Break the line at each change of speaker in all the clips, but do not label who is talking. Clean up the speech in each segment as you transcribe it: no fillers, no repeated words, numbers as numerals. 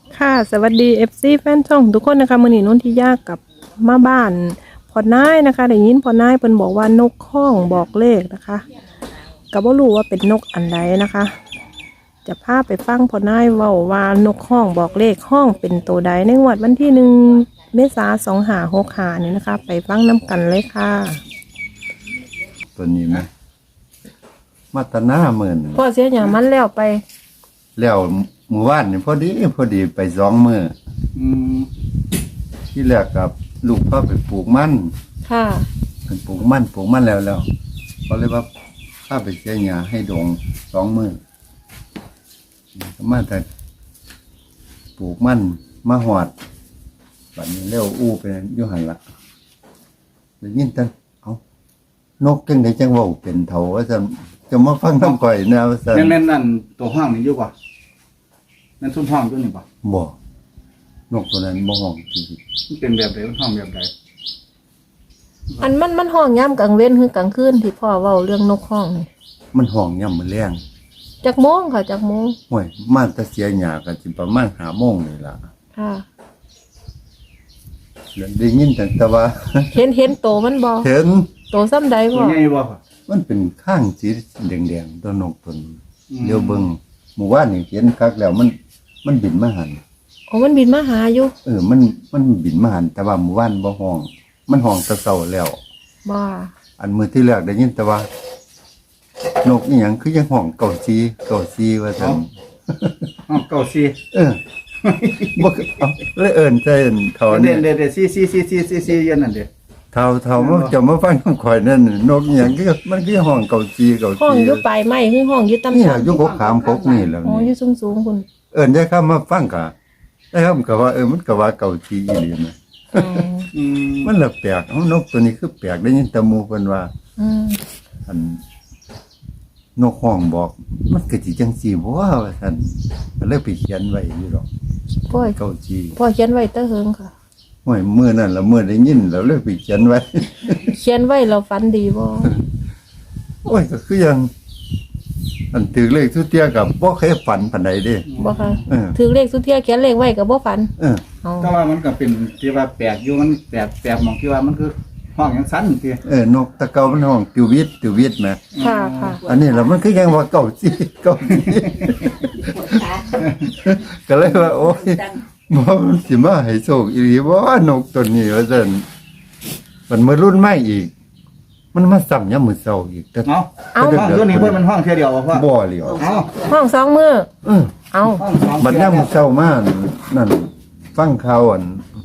ค่ะสวัสดี FC แฟนช่องทุกคนนะคะมื้อนี้นุ่นที่ยากกับมาบ้านพ่อนายนะคะได้ยินพ่อนายเพิ่นบอกว่านกข้องบอกเลขนะคะก็บ่รู้ว่าเป็นนกอันใดนะคะ จะพาไปฟังพ่อนายเว้าว่านกข้องบอกเลขห้องเป็นตัวใดในงวดวันที่1 เมษายน 2565นี่นะคะ ไปฟังน้ำกันเลยค่ะ
ตัวนี้ไหมมาตนาหมื่น
พ่อเสียหยังมันแล้วไป
แล้วหมู่บ้านนี่พอดีไป2 มื้อ
อืม
ที่แรกกับลูกพ่อไปปลูกมัน
ค่ะ
เป็นปลูกมันแล้วก็เลยว่าข้าไปเสียหญ้าให้ดง2 มื้อก็มาแต่ปลูกมันมาหอดบัดนี้เร็วอู้ไปอยู่หันละได้ยินแต่นกจังไดจังเว้าเป็นเฒ่าว่าซั่นจะมาฟังน้ำก่อยนะว่าซั่น
แม่นนั่นตัวห้องนี่อยู่ป่ะแม่นซุ้มห้องอยู่นี่ป่ะ
บ่นกตัวนั้นบ่ห้องจริง
มันเป็นแบบไหนมันห้องแบบไหน
อันมันห้องย่ำกลางเว้นคือกลางคืนที่พ่อเว้าเรื่องนกห้องนี่
มันห้องย่ำมื้อแลง
จักโมงค่ะจักโมง
ห่วยมาแต่เสียหญ้าก็สิประมาณ5 โมงนี่ล่ะ
ค่ะ
แล้วได้ยินแต่ว่า
เห็นโตมันบ่
เห็น
โตซ้ำใด
ตัว
บ่
ใหญ่บ่ป่ะ
มันเป็นข้างสีแดงๆตัวนกตัวนี้
อืม
เดี๋ยวเบิ่งหมู่บ้านนี่เห็นคักแล้วมันบินมาหัน
โอ้มันบินมาหาอยู่
มันบินมาหันแต่ว่าหมู่บ้านบ่ห้อง มันห้องแตะเช้าแล้ว
บ่
อันมื้อที่แรกได้ยินแต่ว่า นกอีหยังคือยังห้องเก่าซีว่าซั่น
ห้องเก้าสี่
บ่เอาเลยเอิ้นใจเอิ้นเท่า
เด่
นี้
นสี่ยันนั่นเด้
เท่ามันจะมาฟังคำข่อยนั่นน่ะนกอีหยังคือมันคือห้องเก่าซี
ห้องอยู่ปลายไม้คือห้องอยู่ต่ำ
นี่
ๆ
อยู่กกขามกกนี่แล้ว
อ๋ออ
นี่
ยู่สูงๆคุณ
เอิ้นได้คำมาฟังก็ได้คำก็ว่ามันก็ว่าเก่าซีอีหลีนะ
อ๋อ
อืม
มันละแปลกนกตัวนี้คือแปลกได้ยินแต่หมู่เพิ่นว่า
อืม
อันนกห้องบอก มันก็สิจังซี่บ่ว่าซั่นก็เลยไปเขียนไว้อยู่ดอก
พ่อ
เก่าซี
พ่อเขียนไว้แตะเหิงค่ะ
โอ้ยมื้อนั้นละมื้อได้ยินแล้วเลยไปเขียนไว้
เขียนไว้เราฝันดีบ่
โอ้ยก็คือยังอันถือเลขทุเตียกับบ่เคยฝันปานใดเด้
บ่ค่ะ
เออ
ถือเลขสุเทียเขียนเลขไว้ก็บ่ฝัน
เออ
อ๋อ
แต่ว่ามันก็เป็นที่ว่าแปลกอยู่มันแปลกหมองที่ว่ามันคือห้องยังสั้นที
นกตะเกามันห้องติววิทแหม
ค่ะค่ะ
อันนี้ล่ะมันคือยังว่าเก่าสิก็เลยว่าโอ้ยบ่มันสิมาให้โชคอีหลีบ่นกตัวนี้ว่าซั่นมันมารุ่นใหม่อีก มันมาซ้ำยามมื้อเช้าอีกแต่
เนาะห้องตัวนี้เพิ่นมันห้องเท่าเดียวพ่อ
บ่เหลียว
เอ้า
ห้องสองมือ
เออ
เอา
ห้องสอง
บัดยามมื้อเช้ามานั่นฟังข่าวอัน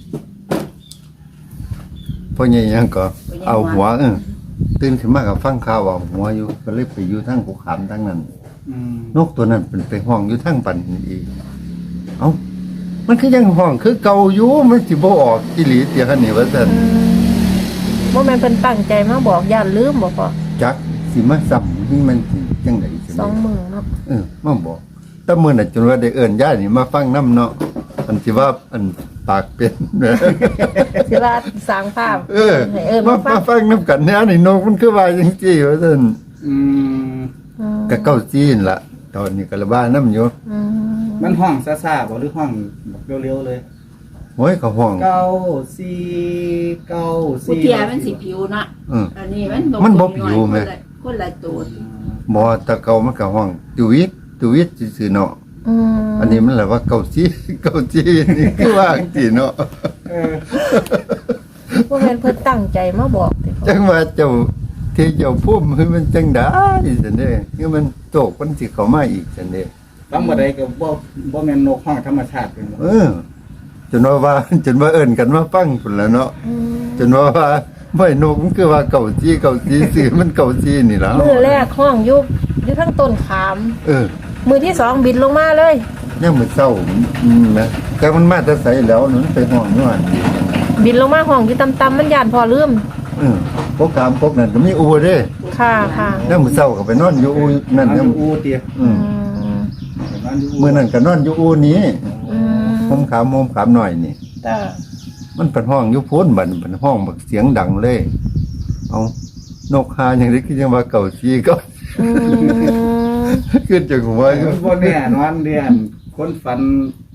พ่อใหญ่ยังก็เอาหัวตื่นขึ้นมาก็ฟังข่าวเอาหัวอยู่ก็เลยไปอยู่ทางภูขามทางนั้น
อืม
นกตัวนั้นเป็นไปห้องอยู่ทางปันอีกเอ้ามันคือยังห้องคือเก่าอยู่มันสิบ่ออกอีหลีเตียคันนี้ว่าซั่น
บ่แม่นเพิ่นตั้งใจมาบอกย่านลืมบ่พ่อ
จักสิมาซ้ำนี่มันสิจังได๋สิ
สองมือเนาะ
มาบอกแต่มื้อน่ะจนว่าได้เอิ้นยายนี่มาฟังนํเนาะอันสิว่าอันปากเป็น
สิว่าสร้างภาพให้เอิ้น
มา
มาฟัง
ฟังนํกันแนวนี่นกมันคือว่าจังซี่ว่าซั่น
อืม
ก็เก้าจีนล่ะตอนนี้ก็ระบายนํอยู่
อืม
มันห้องซ่าๆบ่หรือห้องแบบเร็วๆเลย
โอ้ยเขาห้อง
เก้าสี่เก้า
ผู้
สี่
เทียมันสิผิวนะ
อืม
อันนี้
มันบ่
มัน
ผิวแม่
คนละตัว
บ่แตะเก่ามันก็ห้องตุวิตซื่อๆเนาะ
อืม
อันนี้มันแหละว่าเกาจี เกาจีนี่คือว่าจังซี่เนาะ
เออ
บ่แม่นเพิ่นตั้งใจมาบอกติพ่อ
จังว่าเจ้าที่เจ้าพุ่มให้มันจังได้ซั่นเด้คือมันโตกมันสิเข้ามาอีกซั่นเด้
ฟังบ่ได้ก็บ่แม่นนกห้องธรรมชาติเป็นบ่
จนว่าจนว่าเอิ้นกันมาฟังพุ่นแล้วเนาะ
อืม
จนว่าไม่นกมันคือว่าเกาจีซื่อมันเกาจีนี่ล่ะ
มือแรกห้องอยู่ทั้งต้นขาม มือที่สองบินลงมาเลย
ยังมื้อเช้านะแต่มันมาแต่ไสแล้วนั่นไปห้องอยู่หั่น
บินลงมาห้องอยู่ต่ำๆมันย่านพอลืม
พวกกามพวกนั้นก็มีอูเด้
ค่ะค่ะ
ยามมื้อเช้าก็ไปนอนอยู่อูนั่น
นอน
ยา
อ
ม
ยู่อูเตีย
อืม
นอนอยู่อู
มื้อนั้นก็นอนอยู่อูนี้
อื
โฮ
ม
มขามหน่อยนี่
จ้า
มันเป็นห้องอยู่พ้นบัดเป็นห้องบักเสียงดังเลย เอานกหาอย่างนี้คือยังว่าเก่าชีก็
อืม
ขึ้นจากหัวอยู่
มันบ่แน่นอนเดือนคนฝัน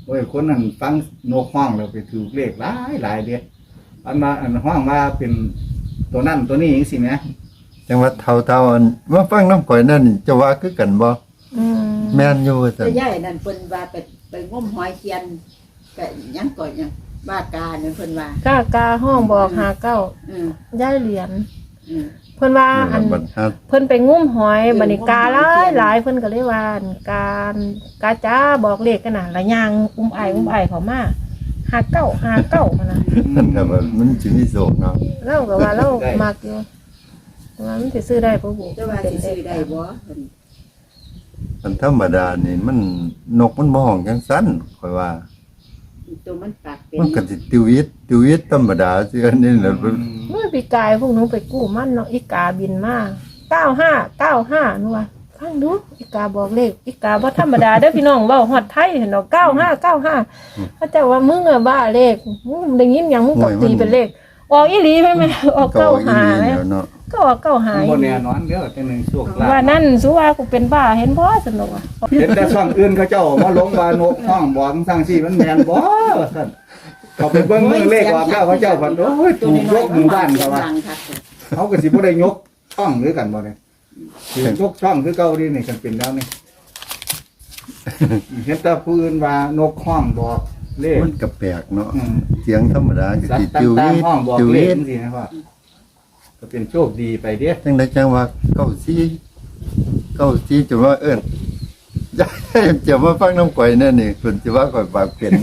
โอ้ยคนนั้นฟังนกห้องแล้วไปถือเลขหลายเด้อันมาอันห้องว่าเป็นตัวนั่นตัวนี้จังซี่แหม
จังว่าเท่าๆอันมาฟังน้ำข่อยนั่นจะว่าคือกันบ่
อืม
แม่นอยู่ว่าซั่น
แต่ย่ายนั่นเพิ่นว่าไปงมหอยเคียนก็ยังก่อนยังบ้ากาเนี่ยเพิ่นว่า
กาห้องบอกหาเก้า
อืม
ย้ายเหรียญ
อืม
เพิ่นว่าอัน
บัดฮัด
เพิ่นไปงุ้มหอยบัดนี้กาหลายเพิ่นก็เลยว่าอั่นกาจ้าบอกเลขกันน่ะละย่างอุ้มไอเข้ามาหาเก้านะ
นั่นก็ว่ามันสิมีโศกเนาะ
เราก็ว่าเรามักอยู่แต่ว่ามันสิซื้อได้บ่บุ
แต่ว่าสิซื้อได้บ่เพิ่น
อันธรรมดานี่มันนกมันบ่ห้องจังซั่นข่อยว่า
ตัวมันปากเป็น
มันก็สิติวิตธรรมดาสิอันนี้แหละ
เมื่อปีกายพวกหนูไปกู้มันเนาะอีกาบินมา95หนูว่าฟังดูอีกาบอกเลขอีกาบ่ธรรมดาเด้อพี่น้องเว้าฮอดไทยเห็นดอก95เขาเจ้าว่ามึงอะบ้าเลขมึงได้ยินหยังมึงก็ตีเป็นเลขออกอีหลีแม่ออก
ก็อีหลี
95แม่
แล้วเนาะ
ก็ออก95
บ่แน่นอนเด้อแต่หนึ่งโชคลา
ว่า
ภ
นั่นสุว่ากูเป็นบ้าเห็นบ่สนุกอ่ะ
เห็นแต่ช่องอื่นเขาเจ้ามาลงว่านกห้องบอกสั่งซี่มันแม่นบ่ว่าซั่นเขาไปเบิ่งมือเลขออกแล้วเขาเจ้าพันโอ้ยถูกยกหมู่บ้านเขาว่า
ดังคัก
เขาก็สิบ่ได้ยกช่องหรือกันบ่เนี่ยสิยกช่องคือเก่าดีนี่กันเป็นแล้วนี่ เห็นแต่ผู้อื่นว่านกห้องบอกเลข
มันก็แปลกเนาะ
อืม
เสียงธรรมดาก็
สัต
สิ
ว์
ติว
ต่าง
วิต
ๆห้องบอก
ติว
เล
วิ
ข
ต
จังซี่นะว่าก็เป็นโชคดีไปเด้
จังได๋จังว่าเก้าซี่จนว่าเอิ้น จะมาฟังน้ำข่อยนั่นนี่เพิ่นสิว่าข่อยปากเป็น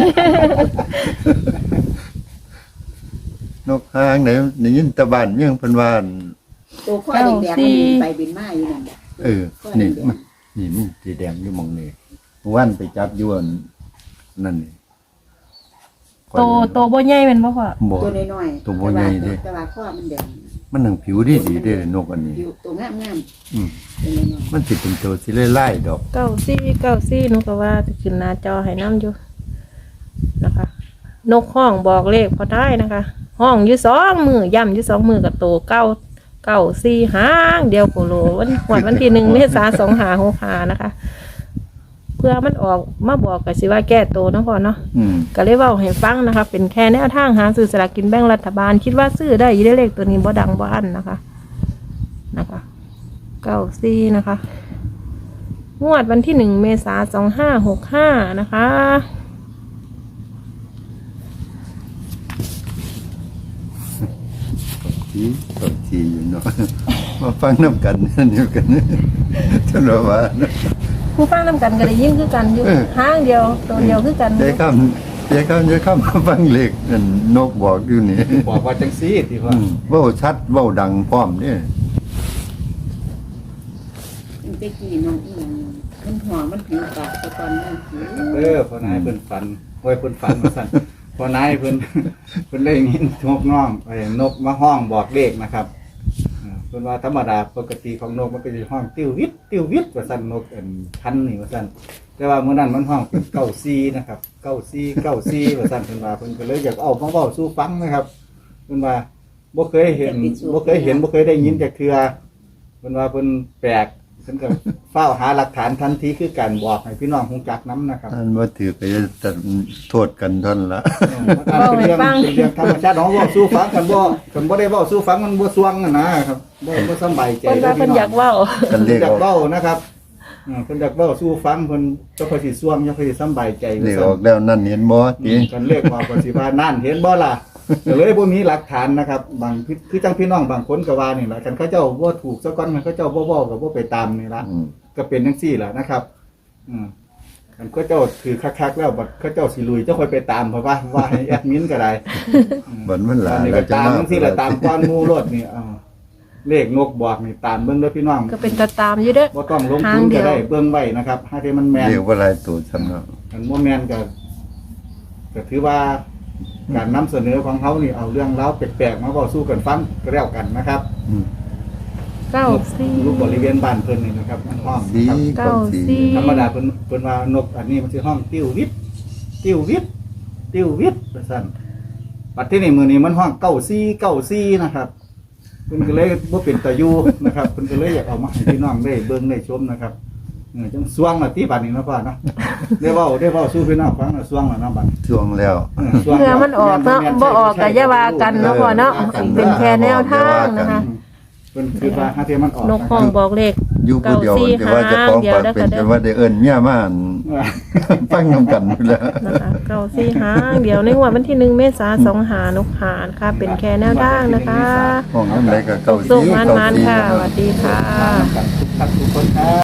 นกหางไหนได้ยินแตะบ้านเมืองเพิ่นว่าอั่น
ตัวข้อแดงๆมันบินไปบินมาอยู่นั่น
เออนี่มันนี่มันสีแดงอยู่หมองนี่เมื่อวันไปจับอยู่อันนั่นนี่
โตบ่ใหญ่แม่นบ่พ่อ
บ่
ตัวน้อยๆ
ตัวบ่ใหญ่เด้
แต่ว่าข้อมันแดง
มันหนังผิวดีเด้นกอันนี้
อยู่ตัวงาม
อืม
ๆตัวน้อย
มันสิเป็นตัวสิไล่ๆดอก
94หนูก็ว่าจะขึ้นหน้าจอให้น้ำอยู่นะคะ นกห้องบอกเลขพอได้นะคะ ห้องอยู่2มือย่ำอยู่2มือกับโต94หางเดียวโคโลวันที่1 เมษายน2565นะคะ เพื่อมันออกมาบอกก็สิว่าแก้โตเนาะพ่อเนาะ
อืม
ก็เลยเว้าให้ฟังนะคะ เป็นแค่แนวทางหาซื้อสลากกินแบ่งรัฐบาล คิดว่าซื้อได้อยู่ได้เลขตัวนี้บ่ดังบ่อันนะคะ94นะคะ งวดวันที่1 เมษายน2565นะคะ
สีสดสีอยู่เนาะ มาฟังน้ำกันนั่นอยู่กัน จนว่า
ผู้ฟังนำกันก็ได้ยินคือกันอยู่
เออ
ห้างเดียวตัวเดียวคือกัน
เดี๋ยวค่ำมาฟังเลขนั่นนกบอกอยู่นี่
บอกว่าจังซี่ที่ว่า
อืมเว้าชัดเว้าดังพร้อมนี่
มันไปกี่น้องอีหยังมันหัวมันผิวปากตะกอนมันผิว
พอนายเพิ่นฝันโอ้ยเพิ่นฝันว่าซั่นพอนายเพิ่น เพิ่นได้ยินนกน้องไอ้นกมาห้องบอกเลขนะครับเพิ่นว่าธรรมดาปกติของนกมันก็สิห้องติ้ววิทว่าซั่นนกพันธุ์นี่ว่าซั่นแต่ว่ามื้อนั้นมันห้องเป็น94นะครับ94ว่าซั่นเพิ่นว่าเพิ่นก็เลยอยากเอามาเว้าสู่ฟังนะครับเพิ่นว่าบ่เคยเห็นบ่เคยได้ยินจากเทื่อเพิ่นว่าเพิ่นแปลกเพิ่นก็เฝ้าหาหลักฐานทันทีคือการบอกให้พี่น้องฮู้จักนํนะครับ
อันว่าถือไปจะโทษกันท่อนละ
เป็นเรื่องธรรมชาติของว่าสู้ฟังกันบ่ได้เว้าสู้ฟังมันบ่สวงนะครับบ่สบายใจ
เพิ่นว่าเพิ่นอยากเว้า
กัน
เพิ่
เรีย
น
ก
อยาก
ออก
เว้านะครับเพิ่นอยากเว้าสู้ฟังเพิ่นจะค่อยสิสวงจะค่อยสิสบายใจ
เรียกออกแล้วนั่นเห็นบ่ติ
กันเลขว่าก็สิว่านั่นเห็นบ่ล่ะก็เลยบ่มีหลักฐานนะครับบางคือจังพี่น้องบางคนก็ว่านี่ล่ะคันเขาเจ้าบ่ถูกซะก่อนมันเขาเจ้าบ่เว้าก็บ่ไปตามนี่ล่ะ
อืม
ก็เป็นจังซี่ล่ะนะครับคันเขาเจ้าถือคักๆแล้วบัดเขาเจ้าสิลุยเจ้าค่อยไปตามเพราะว่าให้แอดมินก็ได้
บัดมันหลา
อันนี้
แล้
ก็
วจะ
ตาม
มา
ทั้งที่ละตามก้อนหมูรถนี่เลขนกบอกนี่ตามเบิ่งเด้อพี่น้อง
ก็เป็นตาตามอยู่เด้อ
บ่ต้องลงทุนก็ได้เบิ่งไว้นะครับถ้าที่มันแม่น
เรียกว่าหลายตัวซ้ำเนาะ
อันบ่แม่นก็ถือว่าการนำเสนอของเขานี่เอาเรื่องราวแปลกๆมาเว้าสู่กันฟังก็แล้วกันนะครับ
อืม
รูปบริเวณบ้านเพิ่นนี่นะครับมันห้อง
สี
นะครับ
กับสี
ธรรมดาเพิ่นว่านกอันนี้มันสิห้องติ้ววิทว่าซั่นปัดที่นี่มื้อนี้มันห้อง94นะครับ เพิ่นก็เลยบ่เป็นตาอยู่นะครับเพิ่นก็เลยอยากเอามาให้พี่น้องได้เบิ่งได้ชมนะครับจังสวงละที่บัดนี้เนาะพ่อเนาะได้เว้าสู้พี่น้องฟังน่ะสวงแล้วเนาะบัด
ช่วงแล้ว
สวง
เพื่อมันออกเนาะบ่ออกก็อย่าว่ากันเนาะพ่อเนาะเป็นแค่แนวทางนะคะ
เพิ่นคือว่าหาเทียมันออก
นกห้องบอกเลข
อยู่ผู้เดียว
เก้าสี่
แต่ว่าเจะฟ้าของ
หาง
ปาก
เดียว
เป็น
ได้
จนว่าได้เอิ้นเมียมาอั่น ฟังนำกันอยู่แล้ว
นะคะเก้าสี่หางเดี๋ยวในงวดวันที่1 เมษายน2หานกหานะคะเป็นแค่แนวทางนะคะ
ห้องน้ำไหนก็เก่า
สุข
สี
มัน
เก่า
มัน
สี
ค่ะสวัสดีค่ะ
กันทุกท่านทุกคนครับ